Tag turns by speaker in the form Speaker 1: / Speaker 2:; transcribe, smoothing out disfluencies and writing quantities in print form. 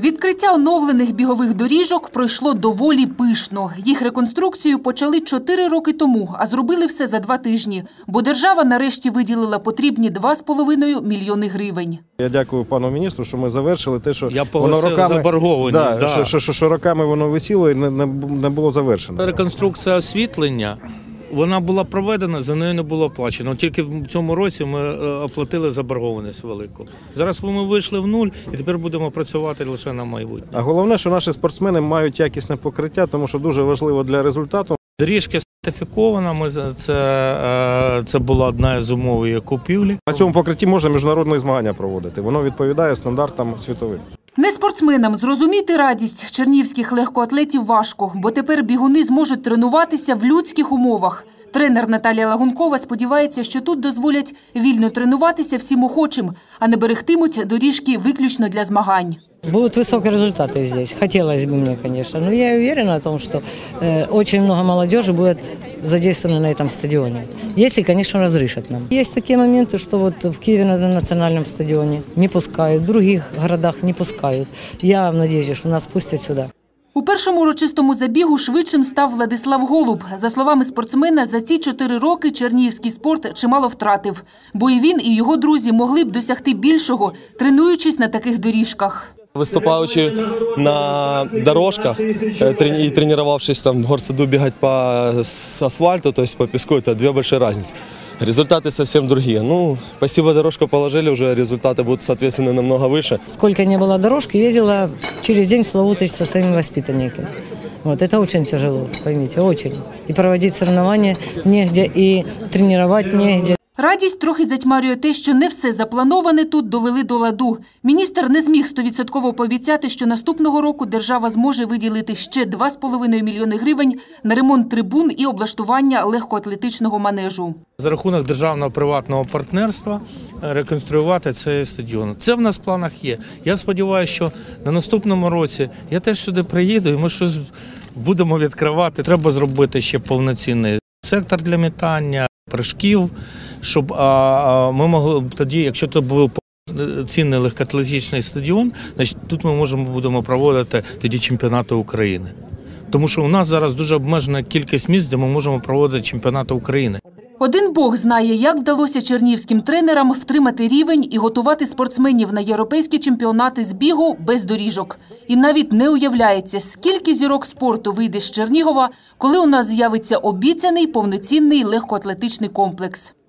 Speaker 1: Відкриття оновлених бігових доріжок пройшло доволі пишно. Їх реконструкцію почали 4 роки тому, а зробили все за 2 тижні. Бо держава нарешті виділила потрібні 2,5 мільйони гривень.
Speaker 2: Я дякую пану міністру, що ми завершили те, що
Speaker 3: воно роками заборгованість.
Speaker 2: Що роками воно висіло і не було завершено.
Speaker 3: Реконструкція освітлення. Вона була проведена, за нею не було оплачено. Тільки в цьому році ми оплатили заборгованість велику. Зараз ми вийшли в нуль і тепер будемо працювати лише на майбутнє.
Speaker 2: А головне, що наші спортсмени мають якісне покриття, тому що дуже важливо для результату.
Speaker 3: Доріжка сертифікована, це була одна з умов її купівлі.
Speaker 2: На цьому покритті можна міжнародні змагання проводити. Воно відповідає стандартам світовим.
Speaker 1: Не спортсменам зрозуміти радість чернігівських легкоатлетів важко, бо тепер бігуни зможуть тренуватися в людських умовах. Тренер Наталія Лагункова сподівається, що тут дозволять вільно тренуватися всім охочим, а не берегтимуть доріжки виключно для змагань.
Speaker 4: Будут высокие результаты здесь. Хотелось бы мне, конечно. Но я уверена о том, что очень много молодежи будет задействовано на этом стадионе. Если, конечно, разрешат нам. Есть такие моменты, что вот в Киеве на национальном стадионе не пускают, в других городах не пускают. Я надеюсь, что нас пустят сюда.
Speaker 1: У першому урочистому забігу швидшим став Владислав Голуб. За словами спортсмена, за ці 4 роки чернігівський спорт чимало втратив. Бо і він, і його друзі могли б досягти більшого, тренуючись на таких доріжках.
Speaker 5: Выступаючи на дорожках и тренировавшись там в горсаду бегать по асфальту, то есть по песку, это 2 большие разницы. Результаты совсем другие. Ну, спасибо, дорожку положили, уже результаты будут, соответственно, намного выше.
Speaker 4: Сколько не было дорожки, ездила через день в Славутич со своими воспитанниками. Вот это очень тяжело, поймите, очень. И проводить соревнования негде, и тренировать негде.
Speaker 1: Радість трохи затьмарює те, що не все заплановане тут довели до ладу. Міністр не зміг 100% пообіцяти, що наступного року держава зможе виділити ще 2,5 мільйони гривень на ремонт трибун і облаштування легкоатлетичного манежу.
Speaker 3: За рахунок державного приватного партнерства реконструювати цей стадіон. Це в нас в планах є. Я сподіваюся, що на наступному році я теж сюди приїду і ми щось будемо відкривати. Треба зробити ще повноцінний сектор для метання, прыжків, щоб ми могли тоді, якщо це був цінний легкоатлетичний стадіон, значить тут ми будемо проводити тоді чемпіонати України. Тому що у нас зараз дуже обмежена кількість місць, де ми можемо проводити чемпіонати України.
Speaker 1: Один Бог знає, як вдалося чернігівським тренерам втримати рівень і готувати спортсменів на європейські чемпіонати з бігу без доріжок. І навіть не уявляється, скільки зірок спорту вийде з Чернігова, коли у нас з'явиться обіцяний повноцінний легкоатлетичний комплекс.